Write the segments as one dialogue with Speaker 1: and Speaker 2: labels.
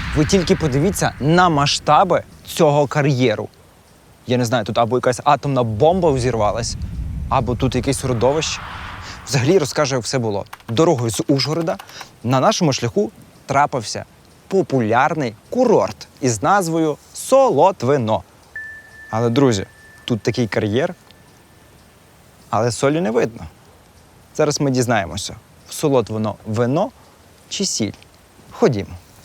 Speaker 1: Ви тільки подивіться на масштаби цього кар'єру. Я не знаю, тут або якась атомна бомба взірвалась, або тут якесь родовище. Взагалі розкажу, як все було. Дорогою з Ужгорода на нашому шляху трапився популярний курорт із назвою Солотвино. Але, друзі, тут такий кар'єр, але солі не видно. Зараз ми дізнаємося, в Солотвино вино чи сіль. Ходімо.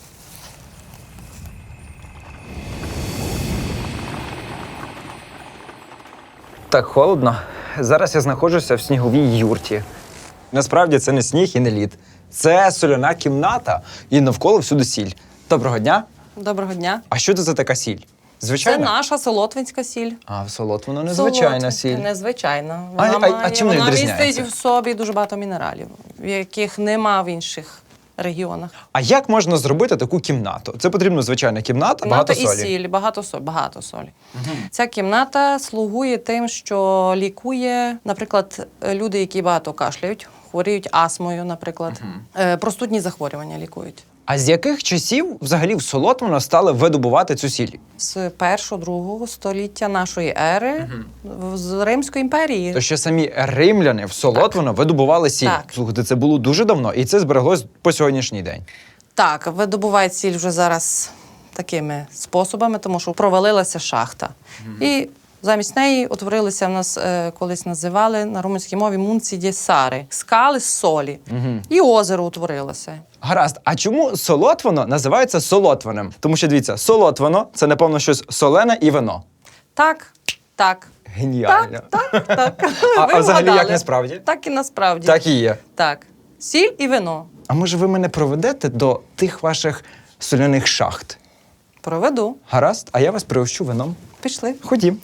Speaker 1: Так холодно. Зараз я знаходжуся в сніговій юрті. Насправді це не сніг і не лід. Це соляна кімната і навколо всюди сіль. Доброго дня.
Speaker 2: Доброго дня.
Speaker 1: А що це за така сіль?
Speaker 2: Це
Speaker 1: Звичайна?
Speaker 2: наша солотвинська сіль.
Speaker 1: А в Солотвино незвичайна
Speaker 2: Солотвинська,
Speaker 1: сіль.
Speaker 2: Незвичайна.
Speaker 1: А чим вона відрізняється?
Speaker 2: містить в собі дуже багато мінералів, яких нема в інших регіонах.
Speaker 1: А як можна зробити таку кімнату? Це потрібна звичайна кімната, багато
Speaker 2: і
Speaker 1: солі.
Speaker 2: сіль, багато солі. Ця кімната слугує тим, що лікує, наприклад, люди, які багато кашляють, хворіють астмою, наприклад. Простудні захворювання лікують.
Speaker 1: А з яких часів взагалі в Солотвино стали видобувати цю сіль?
Speaker 2: З 1-2 століття нашої ери з Римської імперії.
Speaker 1: То ще самі римляни в Солотвино видобували сіль.
Speaker 2: Так.
Speaker 1: Слухайте, це було дуже давно, і це збереглось по сьогоднішній день.
Speaker 2: Так, видобувають сіль вже зараз такими способами, тому що провалилася шахта. І замість неї утворилися в нас, колись називали на румунській мові мунці ді сари, скали з солі. І озеро утворилося.
Speaker 1: Гаразд, а чому Солотвино називається Солотвиним? Тому що, дивіться, Солотвино – це, напевно, щось солене і вино.
Speaker 2: Так.
Speaker 1: Геніально.
Speaker 2: Так.
Speaker 1: А
Speaker 2: Ви
Speaker 1: взагалі
Speaker 2: вгадали.
Speaker 1: як насправді?
Speaker 2: Так і насправді.
Speaker 1: Так і є.
Speaker 2: Так. Сіль і вино.
Speaker 1: А може ви мене проведете до тих ваших соляних шахт?
Speaker 2: Проведу.
Speaker 1: Гаразд, а я вас пригощу вином.
Speaker 2: Пішли.
Speaker 1: Ходім.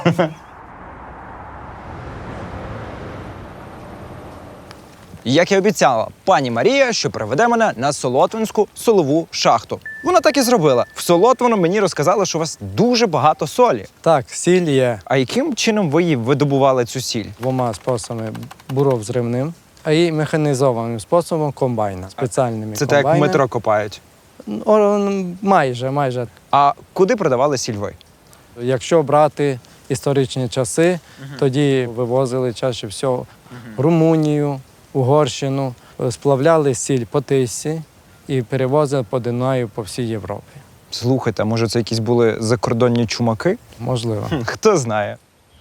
Speaker 1: Як і обіцяла пані Марія, що приведе мене на Солотвинську солову шахту. Вона так і зробила. В Солотвино мені розказали, що у вас дуже багато солі.
Speaker 3: Так, сіль є
Speaker 1: А яким чином ви її видобували цю сіль?
Speaker 3: двома способами: буров-зривним, а і механізованим способом комбайна, спеціальними
Speaker 1: Це так, як
Speaker 3: комбайнами.
Speaker 1: метро копають.
Speaker 3: Майже.
Speaker 1: А куди продавали сіль ви?
Speaker 3: Якщо брати історичні часи, тоді вивозили чаще всього в Румунію, Угорщину, сплавляли сіль по Тисі і перевозили по Дунаю по всій Європі.
Speaker 1: Слухайте, а може це якісь були закордонні чумаки?
Speaker 3: Можливо.
Speaker 1: Хто знає.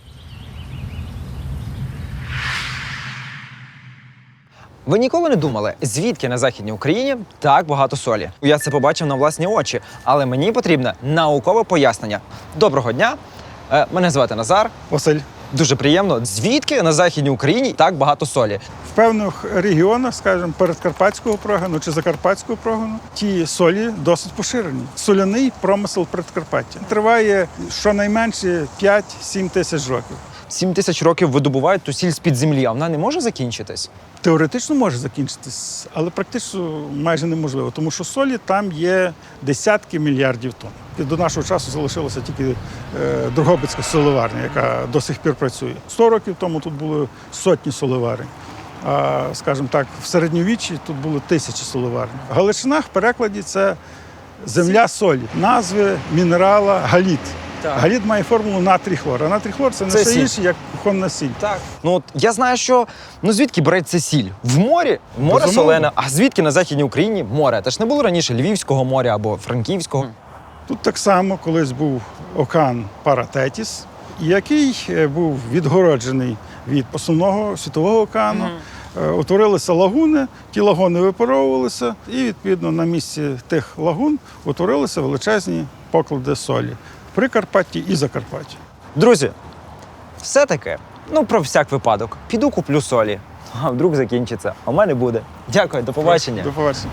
Speaker 1: Ви ніколи не думали, звідки на Західній Україні так багато солі? Я це побачив на власні очі, але мені потрібне наукове пояснення. Доброго дня, мене звати Назар.
Speaker 4: Василь,
Speaker 1: Дуже приємно. Звідки на Західній Україні так багато солі?
Speaker 4: в певних регіонах, скажімо, передкарпатського прогону чи закарпатського прогону, ті солі досить поширені. Соляний промисел Прикарпаття триває щонайменше 5-7 тисяч років.
Speaker 1: 7 тисяч років видобувають ту сіль з-під землі, а вона не може закінчитись?
Speaker 4: Теоретично може закінчитись, але практично майже неможливо, тому що солі там є десятки мільярдів тонн. І до нашого часу залишилася тільки Дрогобицька солеварня, яка до сих пір працює. 100 років тому тут були сотні солеварень. А, скажімо так, в середньовіччі тут було тисячі солеварень. Галичина в перекладі це земля солі, назви мінерала галіт.
Speaker 1: Так.
Speaker 4: Галіт має формулу натрій-хлор, а натрій-хлор це не
Speaker 1: Це
Speaker 4: що
Speaker 1: сіль.
Speaker 4: інше, як кухонна сіль.
Speaker 1: Так. Ну от я знаю, що звідки береться сіль? В морі? Море
Speaker 4: Безумовно.
Speaker 1: солене. А звідки на Західній Україні море? Та ж не було раніше Львівського моря або Франківського.
Speaker 4: Тут так само колись був океан Паратетіс, який був відгороджений від основного світового океану. Утворилися лагуни, ті лагуни випаровувалися, і відповідно на місці тих лагун утворилися величезні поклади солі в Прикарпатті і Закарпатті.
Speaker 1: Друзі, все-таки, про всяк випадок, піду куплю солі. А вдруг закінчиться. А в мене буде. Дякую, до побачення.
Speaker 4: До побачення.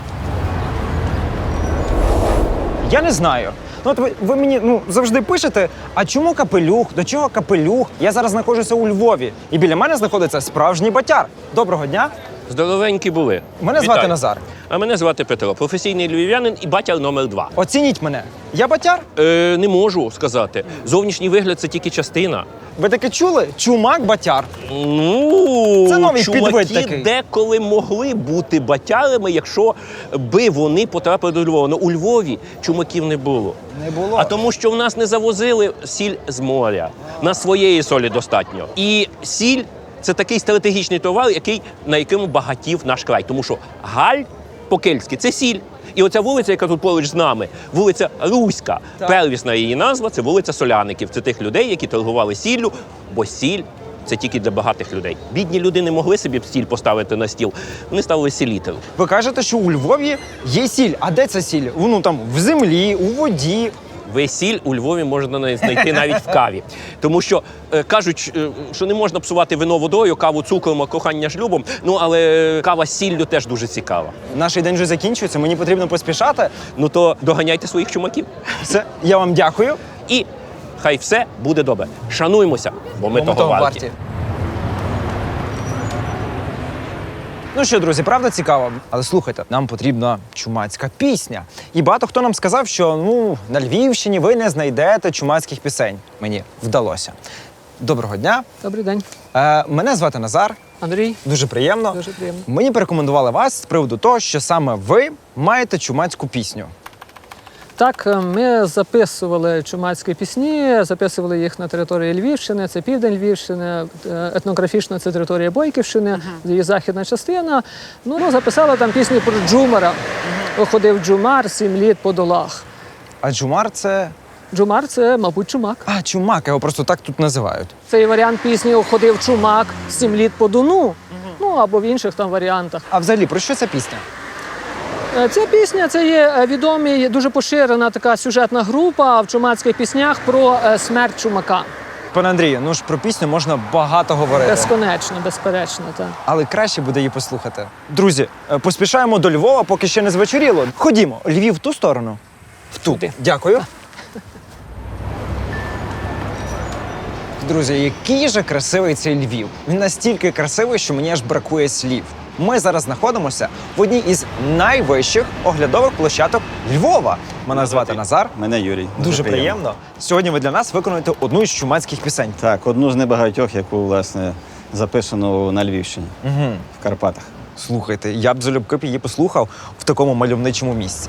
Speaker 1: Я не знаю. От ви мені завжди пишете, а чому капелюх, до чого капелюх? Я зараз знаходжуся у Львові, і біля мене знаходиться справжній батяр. Доброго дня.
Speaker 5: Здоровенькі були.
Speaker 1: Мене звати
Speaker 5: Вітаю.
Speaker 1: Назар.
Speaker 5: А мене звати Петро, професійний львів'янин і батя номер 2.
Speaker 1: Оцініть мене. Я батяр?
Speaker 5: Не можу сказати. Зовнішній вигляд – це тільки частина.
Speaker 1: Ви таке чули? Чумак батяр.
Speaker 5: Ну,
Speaker 1: Це новий підвид
Speaker 5: чуваки
Speaker 1: такий.
Speaker 5: деколи могли бути батярами, якщо би вони потрапили до Львова. Ну, у Львові чумаків не було.
Speaker 1: Не було.
Speaker 5: А тому, що в нас не завозили сіль з моря. На своєї солі достатньо. І сіль – це такий стратегічний товар, на якому багатів наш край. Тому що галь по-кельтськи – це сіль. І оця вулиця, яка тут поруч з нами, вулиця Руська.
Speaker 1: Так.
Speaker 5: Первісна її назва – це вулиця Соляників. Це тих людей, які торгували сіллю, бо сіль – це тільки для багатих людей. Бідні люди не могли собі сіль поставити на стіл. Вони ставили селітру.
Speaker 1: Ви кажете, що у Львові є сіль. А де ця сіль? Ну там в землі, у воді.
Speaker 5: Сіль у Львові можна знайти навіть в каві. Тому що кажуть, що не можна псувати вино водою, каву цукром, а кохання шлюбом. Ну, але кава з сіллю теж дуже цікава.
Speaker 1: Наш день вже закінчується, мені потрібно поспішати.
Speaker 5: Ну то доганяйте своїх чумаків.
Speaker 1: Все, я вам дякую.
Speaker 5: І хай все буде добре. Шануймося, бо ми того варті.
Speaker 1: Ну що, друзі, правда цікаво? Але слухайте, нам потрібна чумацька пісня. І багато хто нам сказав, що на Львівщині ви не знайдете чумацьких пісень. Мені вдалося. Доброго дня.
Speaker 3: Добрий день,
Speaker 1: Мене звати Назар.
Speaker 3: Андрій.
Speaker 1: Дуже приємно.
Speaker 3: Дуже приємно.
Speaker 1: Мені порекомендували вас з приводу того, що саме ви маєте чумацьку пісню.
Speaker 3: Так, ми записували чумацькі пісні, записували їх на території Львівщини, це південь Львівщини, етнографічна це територія Бойківщини, її західна частина. Ну, записали там пісню про Джумара. Ходив Джумар 7 літ по долах.
Speaker 1: А джумар це.
Speaker 3: Джумар – це, мабуть, чумак.
Speaker 1: А, чумак, його просто так тут називають.
Speaker 3: Цей варіант пісні «Ходив чумак 7 літ по Дону», ну або в інших там варіантах.
Speaker 1: А взагалі, про що ця пісня?
Speaker 3: Ця пісня – це є відомі, дуже поширена така сюжетна група в чумацьких піснях про смерть чумака.
Speaker 1: Пане Андрію, ну ж про пісню можна багато говорити.
Speaker 3: Безконечно, безперечно, так.
Speaker 1: Але краще буде її послухати. Друзі, поспішаємо до Львова, поки ще не звечоріло. Ходімо, Львів в ту сторону. В ту.
Speaker 3: Туди.
Speaker 1: Дякую. Друзі, який же красивий цей Львів. Він настільки красивий, що мені аж бракує слів. Ми зараз знаходимося в одній із найвищих оглядових площадок Львова. Мене звати Назар.
Speaker 6: Мене Юрій.
Speaker 1: Дуже приємно. Сьогодні ви для нас виконуєте одну із чумацьких пісень.
Speaker 6: Так, одну з небагатьох, яку, власне, записано на Львівщині, в Карпатах.
Speaker 1: Слухайте, я б залюбки б її послухав в такому мальовничому місці.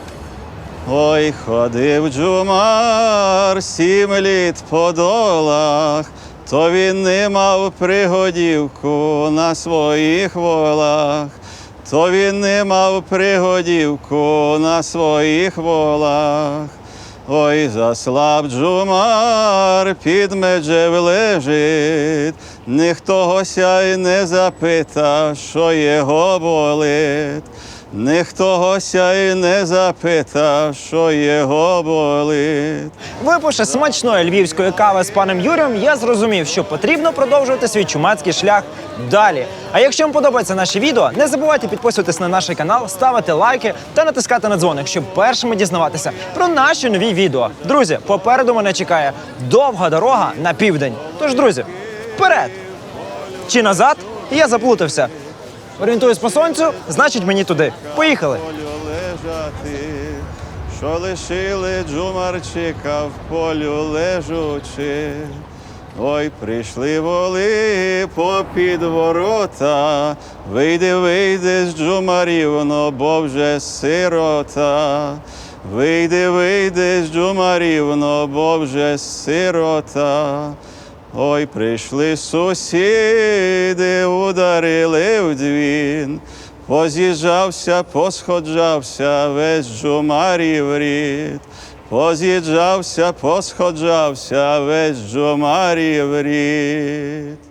Speaker 6: Ой, ходив Джумар 7 літ по долах, то він не мав пригодівку на своїх волах, то він не мав пригодівку на своїх волах. Ой, заслаб Джумар, під меджем лежить, ніхто гося й не запита, що його болить. Ніхто гося й не запита, що його болить.
Speaker 1: Випивши смачної львівської кави з паном Юрієм, я зрозумів, що потрібно продовжувати свій чумацький шлях далі. А якщо вам подобається наше відео, не забувайте підписуватись на наш канал, ставити лайки та натискати на дзвоник, щоб першими дізнаватися про наші нові відео. Друзі, попереду мене чекає довга дорога на південь. Тож, друзі, вперед! Чи назад? Я заплутався. Орієнтуюсь по сонцю, значить мені туди. Поїхали!
Speaker 6: Полю лежати, що лишили Джумарчика в полю лежучи. Ой, прийшли воли попід ворота, вийди, вийди з Джумарівно, бо вже сирота. Вийди, вийди з Джумарівно, бо вже сирота. Ой, прийшли сусіди, ударили в дзвін, поз'їжджався, посходжався весь Джумарів рід. Поз'їжджався, посходжався весь Джумарів рід.